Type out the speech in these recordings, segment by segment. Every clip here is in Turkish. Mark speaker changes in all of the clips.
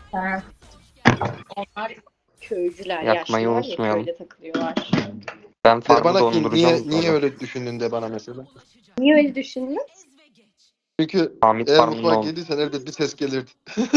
Speaker 1: Ha, onlar köycüler,
Speaker 2: Yakmayı
Speaker 1: yaşlılar ya,
Speaker 2: unutmayalım.
Speaker 1: köyde takılıyorlar.
Speaker 2: Ben
Speaker 3: De
Speaker 2: farmı
Speaker 3: bana ki
Speaker 2: donduracağım
Speaker 3: niye
Speaker 2: sonra.
Speaker 3: öyle düşündün de bana mesela.
Speaker 1: Niye öyle düşündün?
Speaker 3: Çünkü
Speaker 2: Hamit
Speaker 3: eğer
Speaker 2: farmında
Speaker 3: mutfağa
Speaker 2: oldu.
Speaker 3: girdiysen evde bir ses gelirdi.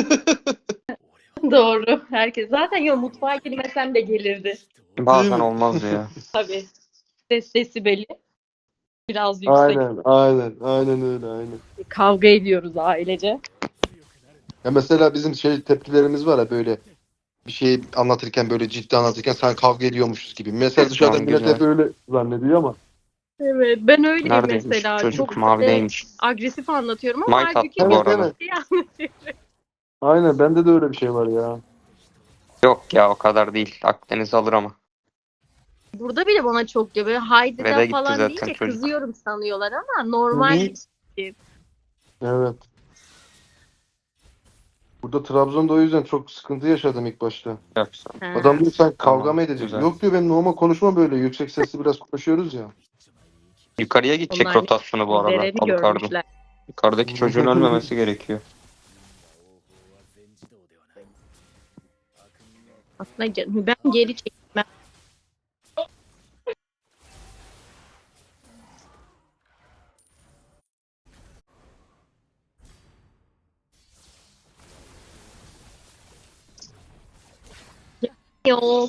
Speaker 1: Doğru. Herkes zaten yok, mutfağa girmesem de gelirdi.
Speaker 3: Değil
Speaker 2: Bazen
Speaker 3: mi?
Speaker 2: olmaz ya.
Speaker 1: Tabii. Ses desibeli biraz yüksek.
Speaker 3: Aynen öyle aynen.
Speaker 1: Kavga ediyoruz ailece.
Speaker 3: Ya mesela bizim şey tepkilerimiz var ya böyle bir şey anlatırken böyle ciddi anlatırken sen kavga ediyormuşuz gibi. Mesela dışarıdan
Speaker 2: Can
Speaker 3: millet hep
Speaker 2: güzel.
Speaker 3: öyle zannediyor ama.
Speaker 1: Evet, ben öyleyim
Speaker 2: Neredeymiş
Speaker 1: mesela.
Speaker 2: çocuk?
Speaker 1: Çok böyle
Speaker 2: Mavideymiş.
Speaker 1: agresif anlatıyorum ama
Speaker 2: Might attı
Speaker 1: halbuki
Speaker 2: bu
Speaker 3: Evet
Speaker 1: çok
Speaker 2: arada.
Speaker 3: evet.
Speaker 1: ciddi anlatıyorum.
Speaker 3: Aynen bende de öyle bir şey var ya.
Speaker 2: Yok ya o kadar değil. Akdeniz alır ama.
Speaker 1: Burada bile bana çok diyor. Böyle haydi
Speaker 2: Ve
Speaker 1: de
Speaker 2: de gitti
Speaker 1: falan
Speaker 2: zaten
Speaker 1: deyince
Speaker 2: çocuk.
Speaker 1: kızıyorum sanıyorlar ama
Speaker 3: Hı
Speaker 1: normal
Speaker 3: hı.
Speaker 1: bir şey.
Speaker 3: Evet. Burada Trabzon'da o yüzden çok sıkıntı yaşadım ilk başta.
Speaker 2: Yapsın.
Speaker 3: Adam
Speaker 1: Ha.
Speaker 3: diyor sen kavga
Speaker 2: Tamam.
Speaker 3: mı edeceksin?
Speaker 2: Güzel.
Speaker 3: Yok diyor benim normal konuşma böyle. Yüksek sesli biraz konuşuyoruz ya.
Speaker 2: Yukarıya gidecek
Speaker 1: Onlar
Speaker 2: rotasyonu bu arada.
Speaker 1: dereni
Speaker 2: Alucard'ın.
Speaker 1: görmüşler.
Speaker 2: Yukarıdaki çocuğun ölmemesi gerekiyor.
Speaker 1: Aslında ben geri çekmem. Yok.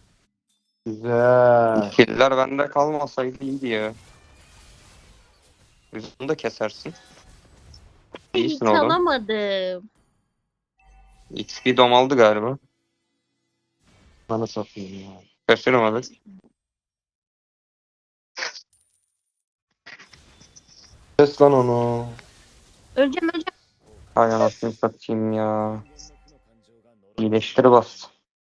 Speaker 3: Güzel.
Speaker 2: Killer bende kalmasaydı iyiydi ya. Biz bunu da kesersin. İyisin
Speaker 1: Hiç
Speaker 2: oğlum.
Speaker 1: alamadım.
Speaker 2: XP dom aldı galiba.
Speaker 3: Bana satayım ya.
Speaker 2: Şaşırmadık.
Speaker 3: Kes lan onu.
Speaker 1: Öleceğim.
Speaker 2: Hay anasını satayım ya. İyileştir bas.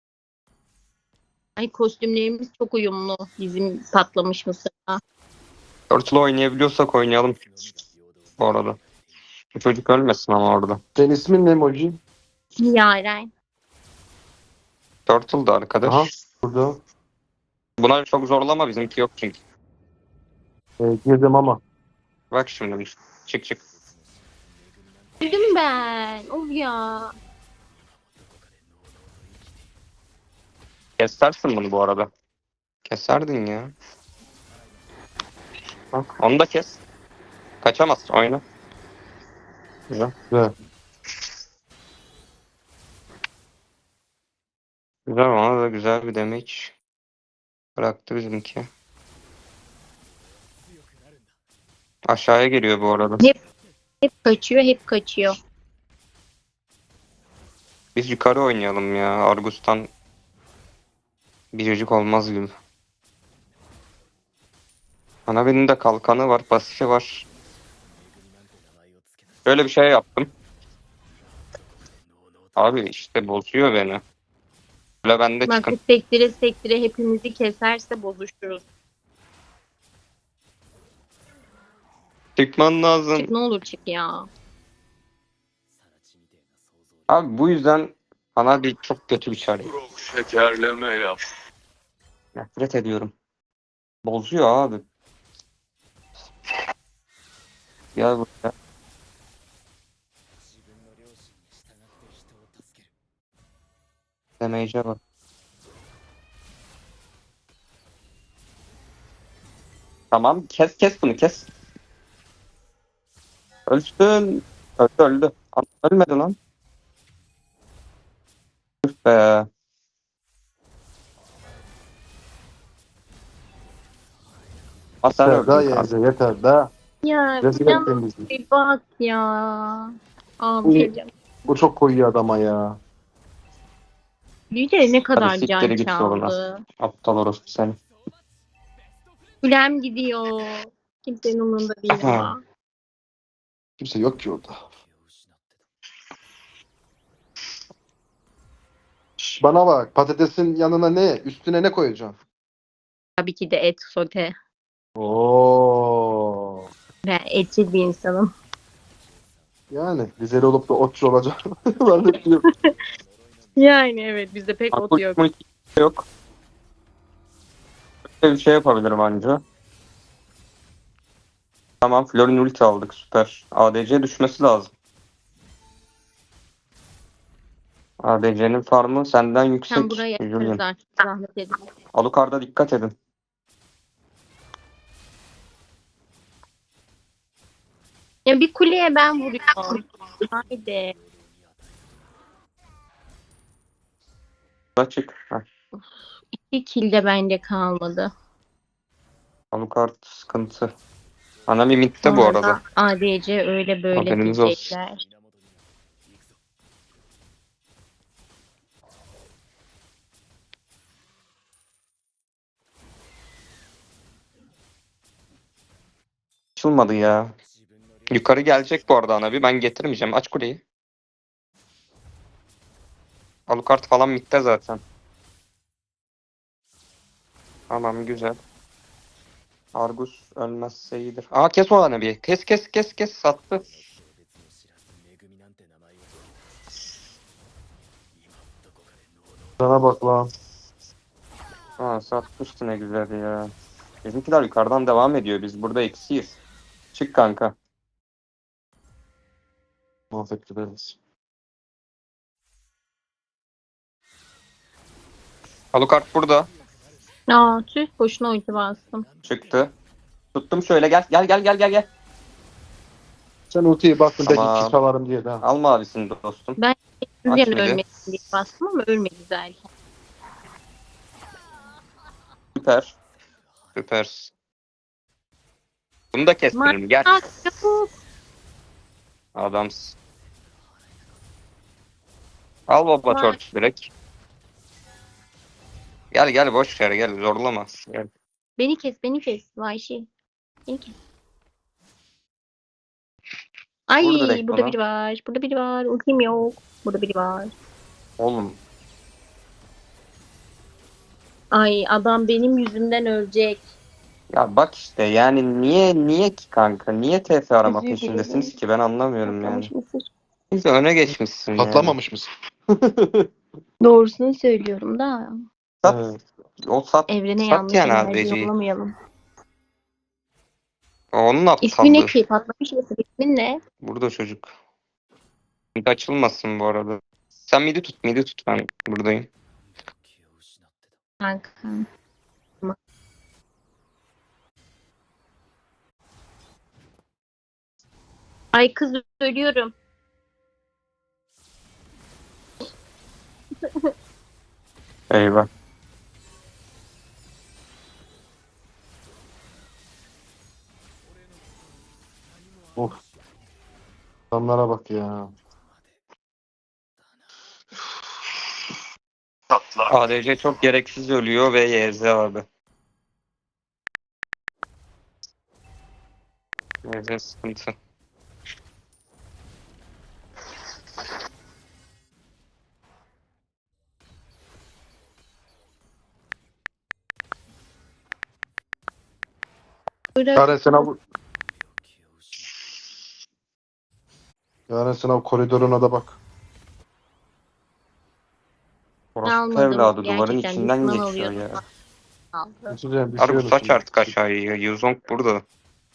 Speaker 1: Ay, kostümlerimiz çok uyumlu. Bizim patlamış mısırla.
Speaker 2: Turtle oynayabiliyorsak oynayalım bu arada. Bu çocuk ölmesin ama orada.
Speaker 3: Senin ismin ne Moji?
Speaker 1: Yaren.
Speaker 2: Turtle da
Speaker 3: Aha
Speaker 2: arkadaş.
Speaker 3: burada.
Speaker 2: Buna çok zorlama bizimki yok çünkü.
Speaker 3: Girdim ama.
Speaker 2: Bak şimdi. Çık çık.
Speaker 1: Öldüm ben. Of ya.
Speaker 2: Kesersin bunu bu arada. Keserdin ya. Bak onu da kes. Kaçamaz oyna. Güzel.
Speaker 3: Güzel.
Speaker 2: Güzel ona da güzel bir damage bıraktı bizimki. Aşağıya geliyor bu arada.
Speaker 1: Hep kaçıyor.
Speaker 2: Biz yukarı oynayalım ya. Argus'tan biricik olmaz gibi. Ana benim de kalkanı var, pasifi var. Böyle bir şey yaptım. Abi işte bozuyor beni. Böyle bende
Speaker 1: Bak,
Speaker 2: çıkın.
Speaker 1: sektire hepimizi keserse bozuşuruz.
Speaker 2: Çıkman lazım.
Speaker 1: Çık, ne olur çık ya.
Speaker 2: Abi bu yüzden ana bir çok kötü bir çare.
Speaker 4: Şekerleme yap.
Speaker 2: Nefret ediyorum. Bozuyor abi. Gel buraya. Damage'e bak. Tamam kes bunu kes. Ölsün. Öldü. Ölmedi lan. Üf be. Ha sen
Speaker 3: Yeter daha
Speaker 2: öldün kanka.
Speaker 3: yerde yeter daha.
Speaker 1: Ya
Speaker 3: Rezil
Speaker 1: yan
Speaker 3: ettin bizi.
Speaker 1: bir bak ya. Ağlayacağım.
Speaker 3: Bu çok koyuyor adama ya.
Speaker 1: Lider ne kadar
Speaker 2: Hadi
Speaker 1: can
Speaker 2: siktir git yoluna.
Speaker 1: çaldı.
Speaker 2: Aptal orospu seni.
Speaker 1: Kulem gidiyor. Kimsenin umurunda değil
Speaker 2: Aha.
Speaker 1: ama.
Speaker 3: Kimse yok ki orada. Şş, bana bak patatesin yanına ne? Üstüne ne koyacaksın?
Speaker 1: Tabii ki de et sote.
Speaker 3: Oo.
Speaker 1: Ben etçil bir insanım.
Speaker 3: Yani Rizeli olup da otçu olacak. Ben de biliyorum.
Speaker 1: Yani evet, bizde pek ot yok.
Speaker 2: Yok. Böyle bir şey yapabilirim anca. Tamam Florin ulti aldık süper. ADC düşmesi lazım. ADC'nin farmı senden
Speaker 1: Sen
Speaker 2: yüksek.
Speaker 1: buraya yaparız
Speaker 2: Julian.
Speaker 1: artık. Zahmet edin.
Speaker 2: Alucard'a dikkat edin.
Speaker 1: Ya bir kuleye ben vuruyorum. Haydi.
Speaker 2: Açık. Heh.
Speaker 1: 2 kill de bende kalmadı.
Speaker 2: Alucard sıkıntı. Anami midde bu arada.
Speaker 1: Sonra ADC öyle böyle
Speaker 2: Haberiniz olsun.
Speaker 1: diyecekler.
Speaker 2: Açılmadı ya. Yukarı gelecek bu arada Anabi. Ben getirmeyeceğim. Aç kuleyi. Alucard falan midde zaten. Tamam güzel. Argus ölmezse iyidir. Aa kes o Anabi'yi. Kes kes kes kes. Sattı.
Speaker 3: Sana bak lan.
Speaker 2: Aa satmıştı ne güzel ya. Bizimkiler yukarıdan devam ediyor. Biz burada eksiyiz. Çık kanka.
Speaker 3: Muhabbet ederiz.
Speaker 2: Alucard burada.
Speaker 1: Aa tüh boşuna ulti bastım.
Speaker 2: Çıktı. Tuttum şöyle gel. Gel gel gel gel gel.
Speaker 3: Sen ultiye baktın belki
Speaker 2: Tamam.
Speaker 3: iki çalarım diye de.
Speaker 2: Al mavisini dostum.
Speaker 1: Rüzgar'ın
Speaker 2: mıydı?
Speaker 1: ölmesin diye bastım ama ölmedi zaten.
Speaker 2: Süper. Süper. Bunu da kestirelim. Gel.
Speaker 1: Bak çabuk.
Speaker 2: Adamsın. Al baba
Speaker 1: Var.
Speaker 2: torç direkt. Gel gel boş ver gel zorlama. Gel.
Speaker 1: Beni kes beni kes. Vahşi. Beni kes. Ay
Speaker 2: Vur direkt
Speaker 1: burada
Speaker 2: ona.
Speaker 1: biri var. Burada biri var. Ultim yok. Burada biri var.
Speaker 2: Oğlum
Speaker 1: Ay adam benim yüzümden ölecek.
Speaker 2: ya bak işte yani niye ki kanka? Niye TF arama
Speaker 1: Özür
Speaker 2: peşindesiniz
Speaker 1: dilerim.
Speaker 2: ki ben anlamıyorum yani.
Speaker 1: Patlamış mısır.
Speaker 2: Biz de öne geçmişsin yani.
Speaker 3: Patlamamış mısın?
Speaker 1: Doğrusunu söylüyorum da.
Speaker 2: Sat,
Speaker 3: Evet.
Speaker 2: o sat,
Speaker 1: Evrene
Speaker 2: sat
Speaker 1: yanlış
Speaker 2: yani
Speaker 1: enerji
Speaker 2: ADC'yi.
Speaker 1: yollamayalım.
Speaker 2: Onun
Speaker 1: İsmi ne
Speaker 2: aptallığı.
Speaker 1: ki? Patlamış mısır ismin ne?
Speaker 2: Burada çocuk. Mid açılmasın bu arada. Sen midi tut ben buradayım.
Speaker 1: Kanka. Ay kız ölüyorum.
Speaker 2: Eyvah.
Speaker 3: Of. Adamlara bak ya.
Speaker 4: Tatlı.
Speaker 2: ADC çok gereksiz ölüyor ve YZ abi. YZ sıkıntı.
Speaker 3: Yaren sen abi. Yaren sen abi koridoruna da bak.
Speaker 2: Orospu
Speaker 1: Almadım.
Speaker 2: evladı duvarın
Speaker 1: Gerçekten
Speaker 2: içinden
Speaker 1: düşman
Speaker 2: geçiyor
Speaker 1: alıyordum.
Speaker 2: ya.
Speaker 1: Aldı.
Speaker 3: Düşeceğim,
Speaker 2: Harbi
Speaker 3: düşüyorum
Speaker 2: saç
Speaker 3: şimdi.
Speaker 2: artık aşağıya. Yuzong burada.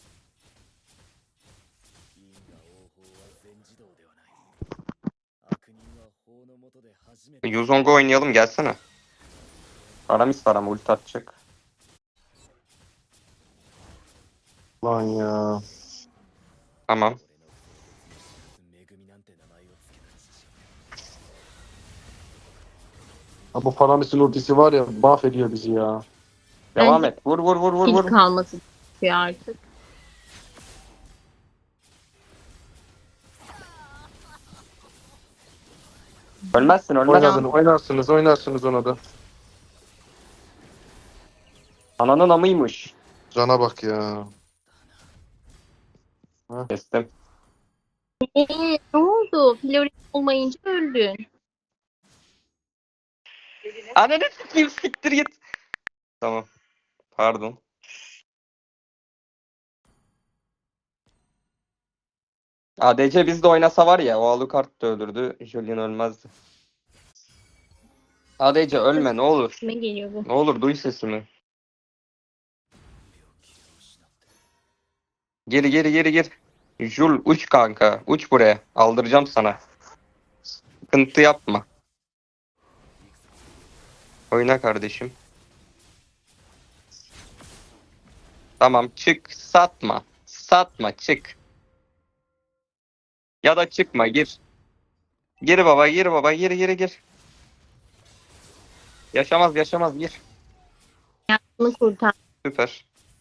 Speaker 2: Yuzong'u oynayalım gelsene. Aramis var ama ulti atacak.
Speaker 3: Lan ya.
Speaker 2: Tamam.
Speaker 3: Ha, bu Faramis'in ultisi var ya mahvediyor bizi ya.
Speaker 2: Devam
Speaker 1: Bence
Speaker 2: et. Vur vur vur vur
Speaker 1: Kill
Speaker 2: vur.
Speaker 1: kalması gerekiyor artık.
Speaker 2: Ölmezsin ölmezsin.
Speaker 3: Oynarsınız ona da.
Speaker 2: Ananın amıymış.
Speaker 3: Cana bak ya.
Speaker 2: Kestim.
Speaker 1: Ne oldu? Flori olmayınca öldün.
Speaker 2: Ananı sikeyim siktir git. Tamam. Pardon. ADC bizde oynasa var ya o Alucard da ölürdü. Julian ölmezdi. ADC ölme ne olur.
Speaker 1: Kime geliyor bu?
Speaker 2: Ne olur duy sesimi. Geri geri geri gir. Jul uç kanka. Uç buraya. Aldıracağım sana. Sıkıntı yapma. Oyna kardeşim. Tamam çık satma. Satma çık. Ya da çıkma gir. Gir baba gir baba gir. Yaşamaz gir.
Speaker 1: Bunu kurtar.
Speaker 2: Süper.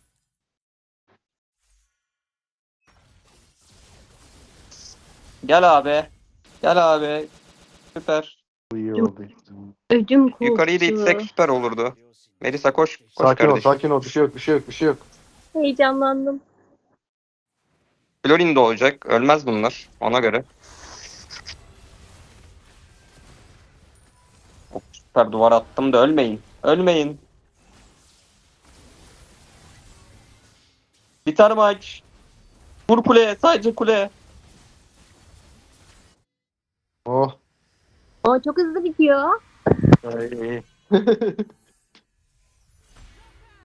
Speaker 2: Gel abi. Gel abi. Süper.
Speaker 3: Bu iyi oldu.
Speaker 1: Ödüm koptu.
Speaker 2: Yukarıyı da itsek süper olurdu. Melisa koş. Koş
Speaker 3: Sakin ol,
Speaker 2: kardeşim.
Speaker 3: sakin ol. Bir şey yok.
Speaker 1: Heyecanlandım.
Speaker 2: Florin de olacak. Ölmez bunlar. Ona göre. Hop, süper duvar attım da ölmeyin. Ölmeyin. Biter maç. Vur kuleye. Sadece kuleye.
Speaker 3: Oh.
Speaker 1: O çok hızlı bitiyor.
Speaker 2: Ay.